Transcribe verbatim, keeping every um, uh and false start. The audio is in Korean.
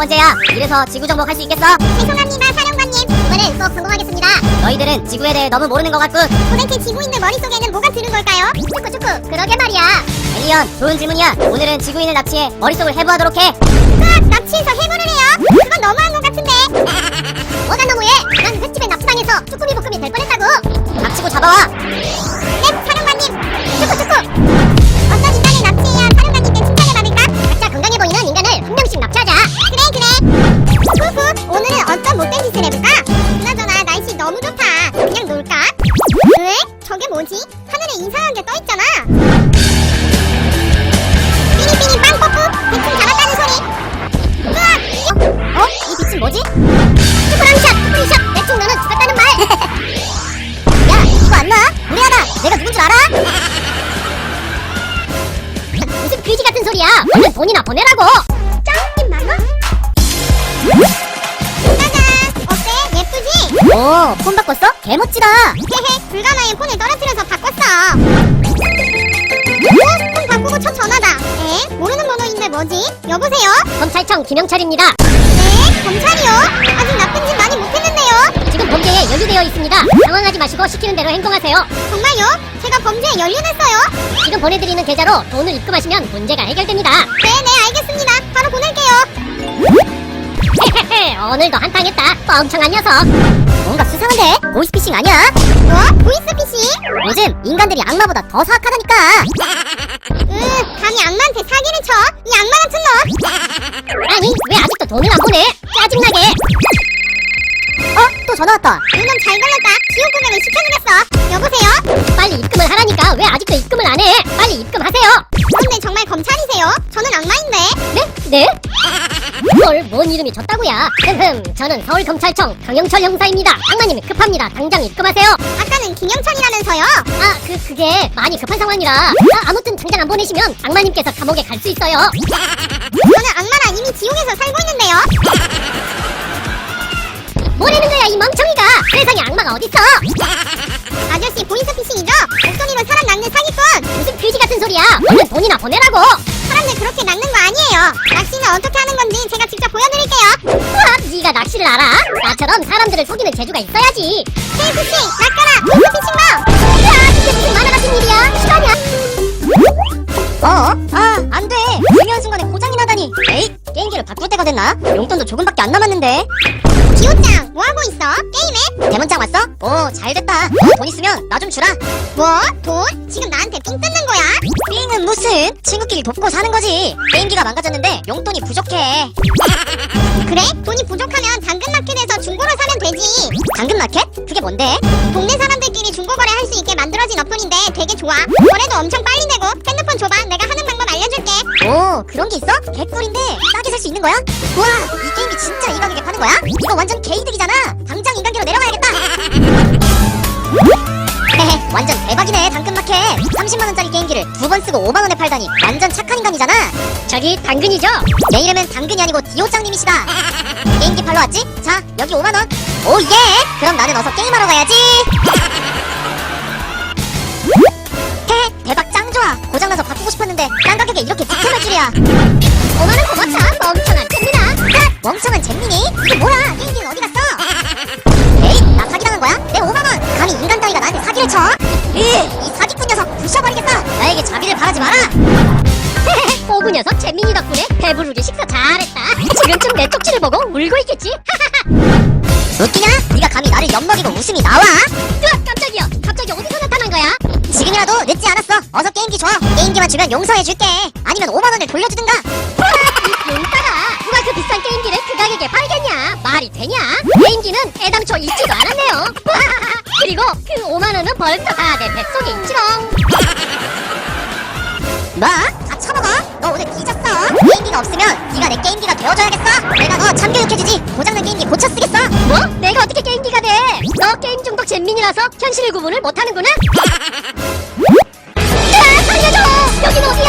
번째야. 이래서 지구 정복 할 수 있겠어? 죄송합니다, 사령관님. 이번엔 꼭 성공하겠습니다. 너희들은 지구에 대해 너무 모르는 것 같군. 도대체 지구인들 머릿속에는 뭐가 드는 걸까요? 축구축구, 그러게 말이야. 엘리언, 좋은 질문이야. 오늘은 지구인을 납치해 머릿속을 해부하도록 해. 으악, 납치해서 해부를 해요? 그건 너무한 것 같은데. 뭐가 너무해? 난 횟집에 납치당해서 쭈꾸미 볶음이 될 뻔했다고. 닥치고 잡아와. 네, 사령관님. 축구축구. 어떤 인간을 납치해야 사령관님께 칭찬을 받을까? 각자 건강해 보이는 인간을 한 명씩 납치하자. 그래, 그래. 후후, 오늘은 어떤 못된 짓을 해볼까? 그나저나 날씨 너무 좋다. 그냥 놀까? 왜? 저게 뭐지? 하늘에 이상한 게 떠있잖아. 삐리삐리 빵 뽀뽀. 대충 잡았다는 소리. 으악! 어? 이 빛은 뭐지? 슈퍼랑샷, 슈퍼리샷. 대충 너는 죽었다는 말. 야, 이거 안 나? 무례하다. 내가 누군 줄 알아? 무슨 그지 같은 소리야. 얼른 돈이나 보내라고. 짱! 만원? 짜잔! 어때? 예쁘지? 오, 폰 바꿨어? 개멋지다. 헤헤, 불가마에 폰을 떨어뜨려서 바꿨어. 어? 폰 바꾸고 첫 전화다. 에? 모르는 번호인데 뭐지? 여보세요? 검찰청 김영철입니다. 네? 검찰이요? 아직 나쁜 짓 많이 못했는데요? 지금 범죄에 연루되어 있습니다. 당황하지 마시고 시키는 대로 행동하세요. 정말요? 제가 범죄에 연루됐어요? 지금 보내드리는 계좌로 돈을 입금하시면 문제가 해결됩니다. 네네, 알겠습니다. 바로 보낼게요. 헤헤헤, 오늘도 한탕했다. 뻥청한 녀석. 뭔가 수상한데? 보이스피싱 아니야? 뭐? 보이스피싱? 요즘 인간들이 악마보다 더 사악하다니까. 으, 감히 악마한테 사기를 쳐? 이 악마 같은 놈! 아니, 왜 아직도 돈을 안 보내? 짜증나게. 어? 또 전화 왔다. 이놈 잘 걸렸다. 지옥 고백을 시켜주겠어. 여보세요? 빨리 입금을 하라니까 왜 아직도 입금을 안 해? 빨리 입금하세요. 그런데 정말 검찰이세요? 저는 악마인데. 네? 네? 헐, 뭔 이름이 졌다고야? 흠흠, 저는 서울검찰청 강영철 형사입니다. 악마님 급합니다. 당장 입금하세요. 아까는 김영철이라면서요? 아, 그, 그게 많이 급한 상황이라. 아, 아무튼 당장 안 보내시면 악마님께서 감옥에 갈 수 있어요. 저는 악마랑 이미 지옥에서 살고 있는데요. 뭐라는 거야, 이 멍청이가? 세상에 악마가 어딨어? 아저씨 보이스피싱이죠? 목소리로 사람 낚는 사기꾼. 무슨 그지 같은 소리야? 얼른 돈이나 보내라고. 사람들 그렇게 낚는 거 아니에요. 낚시는 어떻게 하는 건지 제가 직접 보여드릴게요. 우와, 네가 낚시를 알아? 나처럼 사람들을 속이는 재주가 있어야지. 케이스씨 낚아라. 보이스피싱 봐. 야, 이게 무슨 만화 같은 일이야? 시간이야. 어? 아, 안 돼. 중요한 순간에 고장이 나다니. 에이, 게임기를 바꿀 때가 됐나? 용돈도 조금밖에 안 남았는데. 기호짱 뭐하고 있어? 게임해? 대문장 왔어? 오, 잘 됐다. 너 돈 있으면 나 좀 주라. 뭐? 돈? 지금 나한테 삥 뜯는 거야? 삥은 무슨? 친구끼리 돕고 사는 거지. 게임기가 망가졌는데 용돈이 부족해. 그래? 돈이 부족하면 당근마켓에서 중고로 사면 되지. 당근마켓? 그게 뭔데? 동네 사람들끼리 중고거래 할 수 있게 만들어진 어플인데 되게 좋아. 거래도 엄청 빨리 되고. 핸드폰 줘봐. 내가 하는 방법 알려줄게. 오, 그런 게 있어? 개꿀인데 싸게 살 수 있는 거야? 우와, 이 게임이 진짜 이 가격에 파는 거야? 이거 완전 개이득이잖아. 당장 인간계로 내려가야겠다. 헤헤, 완전 대박이네. 당근마켓 삼십만 원짜리 게임기를 두 번 쓰고 오만 원에 팔다니 완전 착한 인간이잖아. 저기 당근이죠? 내 이름은 당근이 아니고 디오짱님이시다. 게임기 팔러 왔지? 자, 여기 오만 원. 오 예! 그럼 나는 어서 게임하러 가야지. 헤헤, 대박 짱 좋아. 고장나서 바꾸고 싶었는데 딴 가격에 이렇게 득템할 줄이야. 오만 원 고맙다. 멍청한 잼민아. 아, 멍청한 잼민이? 이게 뭐야? 게임기는 어디 갔어? 에이, 나 사기당한 거야? 내 오만 원! 감히 인간 따위가 나한테 사기를 쳐? 으, 이 사기꾼 녀석 부셔버리겠다! 나에게 자비를 바라지 마라! 헤헤헤, 오구 녀석 잼민이 덕분에 배부르게 식사 잘했다. 지금쯤 내 쪽지를 보고 울고 있겠지? 웃기냐? 네가 감히 나를 엿먹이고 웃음이 나와? 으악, 깜짝이야! 갑자기 어디서 나타난 거야? 지금이라도 늦지 않았어. 어서 게임기 줘. 게임기만 주면 용서해줄게. 아니면 오만 원을 돌려주든가. 이 용따라. 누가 그 비싼 게임기를 그 가격에 팔겠냐? 말이 되냐? 게임기는 애당초 있지도 않았네요. 그리고 그 오만 원은 벌써 다 내 뱃속에 있지롱. 뭐? 다 처먹어? 너 오늘 뒤졌어. 게임기가 없으면 네가 내 게임기가 되어줘야겠어. 내가 너 참교육해주지. 고장난 게임기 고쳐 쓰겠어. 뭐? 내가 어떻게 게임기가 돼? 너 게임 중독 잼민이라서 현실 구분을 못하는구나. 야, 살려줘! 여긴 어디야?